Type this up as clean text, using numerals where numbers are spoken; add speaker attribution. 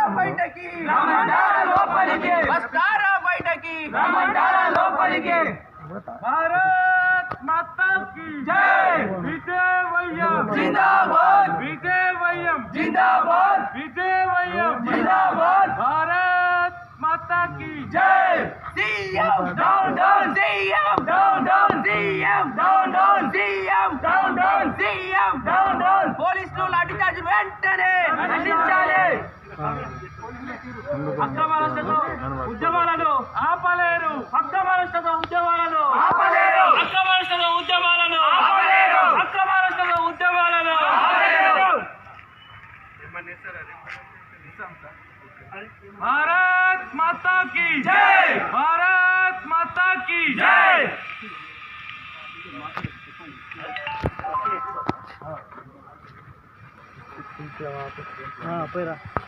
Speaker 1: బయటకి
Speaker 2: వస్తారా బయటకి
Speaker 1: भारत माता की
Speaker 2: जय
Speaker 1: विजयवयम
Speaker 2: जिंदाबाद
Speaker 1: विजयवयम
Speaker 2: जिंदाबाद
Speaker 1: विजयवयम
Speaker 2: जिंदाबाद
Speaker 1: भारत माता की
Speaker 2: जय CM down down CM down down CM down down CM down down CM down down పోలీసులు లాఠీ చార్జ్ వెంటనే ఖండించాలి
Speaker 1: అక్రమాలతో ఉద్యమాలను ఆపలేరు అక్రమాలతో ఉద్యమాలను
Speaker 2: ఆపలేరు
Speaker 1: అక్రమాలతో ఉద్యమాలను
Speaker 2: ఆపలేరు
Speaker 1: అక్రమాలతో ఉద్యమాలను
Speaker 2: ఆపలేరు
Speaker 1: भारत माता की
Speaker 2: जय
Speaker 1: भारत माता की
Speaker 2: जय
Speaker 1: हाँ